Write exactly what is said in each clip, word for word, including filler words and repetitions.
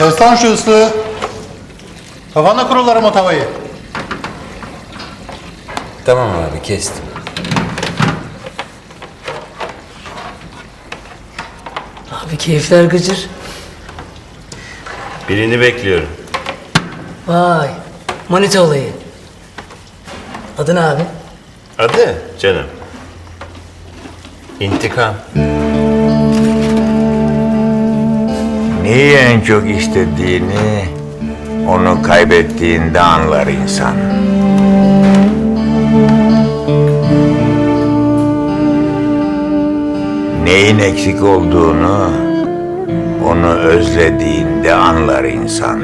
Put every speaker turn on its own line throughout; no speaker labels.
Kes lan şu ıslığı. Kafana kurularım o tavayı.
Tamam abi, kestim.
Abi keyifler gıcır.
Birini bekliyorum.
Vay. Manita olayı. Adı ne abi?
Adı canım. İntikam.
Neyi en çok istediğini, onu kaybettiğinde anlar insan. Neyin eksik olduğunu, onu özlediğinde anlar insan.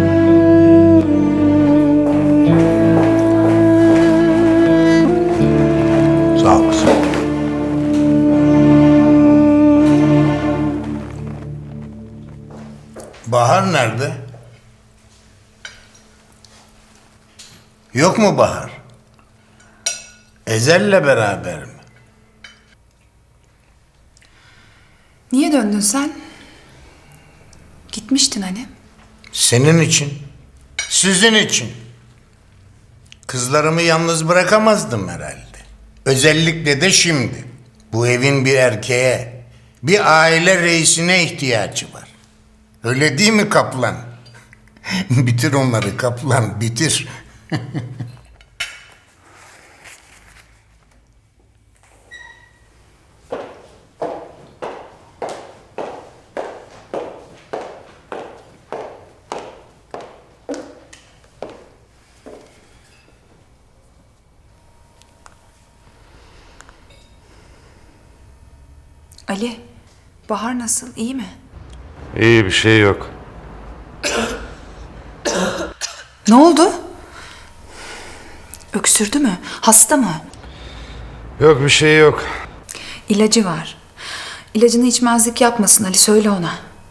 Sağ olasın.
Bahar nerede? Yok mu Bahar? Ezel'le beraber mi?
Niye döndün sen? Gitmiştin hani.
Senin için. Sizin için. Kızlarımı yalnız bırakamazdım herhalde. Özellikle de şimdi. Bu evin bir erkeğe, bir aile reisine ihtiyacı var. Öyle değil mi Kaplan? Bitir onları Kaplan, bitir.
Ali, Bahar nasıl? İyi mi?
İyi, bir şey yok.
Ne oldu? Öksürdü mü? Hasta mı?
Yok, bir şey yok.
İlacı var. İlacını içmezlik yapmasın Ali, söyle ona.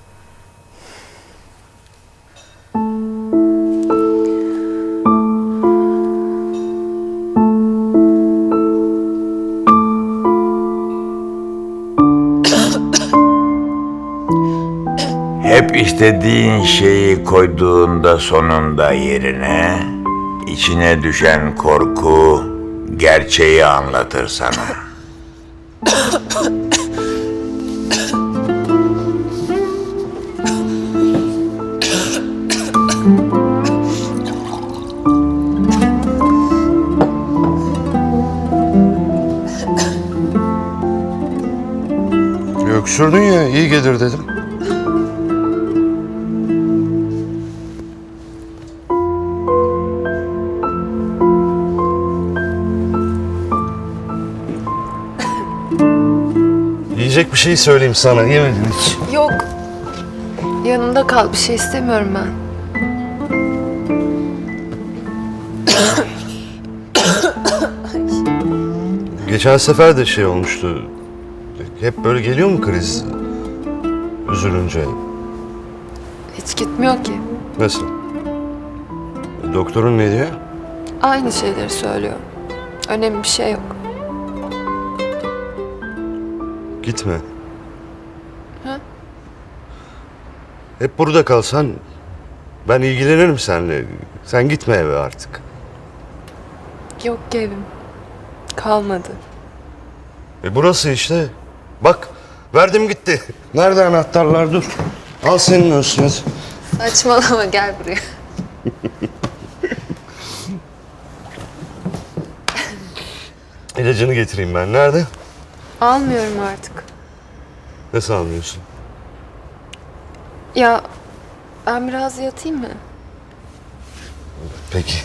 Hep istediğin şeyi koyduğunda sonunda yerine, içine düşen korku gerçeği anlatır sana.
Öksürdün ya, iyi gelir dedim. Yiyecek bir şey söyleyeyim sana, yemedin hiç.
Yok. Yanımda kal. Bir şey istemiyorum ben.
Geçen sefer de şey olmuştu. Hep böyle geliyor mu kriz? Üzülünce.
Hiç gitmiyor ki.
Nasıl? Doktorun ne diyor?
Aynı şeyleri söylüyor. Önemli bir şey yok.
Gitme.
Ha?
Hep burada kalsan ben ilgilenirim seninle. Sen gitme eve artık.
Yok ki evim. Kalmadı.
E burası işte. Bak, verdim gitti. Nerede anahtarlar? Dur. Al senin olsun hadi.
Saçmalama, gel buraya.
İlacını getireyim ben. Nerede?
Almıyorum artık.
Nasıl almıyorsun?
Ya ben biraz yatayım mı?
Peki.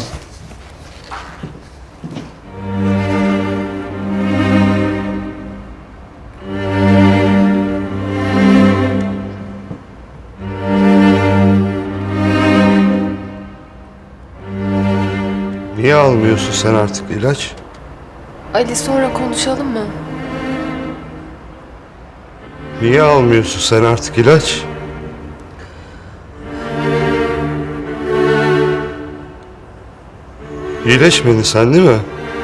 Niye almıyorsun sen artık ilaç?
Ali, sonra konuşalım mı?
Niye almıyorsun sen artık ilaç? İyileşmedin sen değil mi?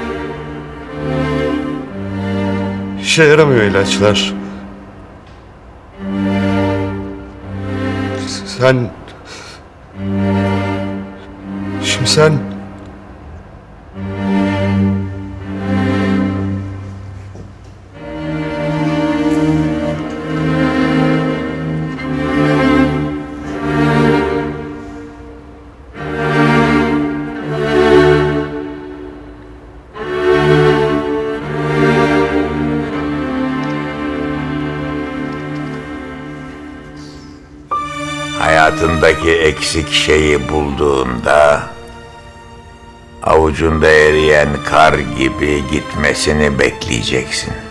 İşe yaramıyor ilaçlar. Sen... Şimdi sen...
Hayatındaki eksik şeyi bulduğunda avucunda eriyen kar gibi gitmesini bekleyeceksin.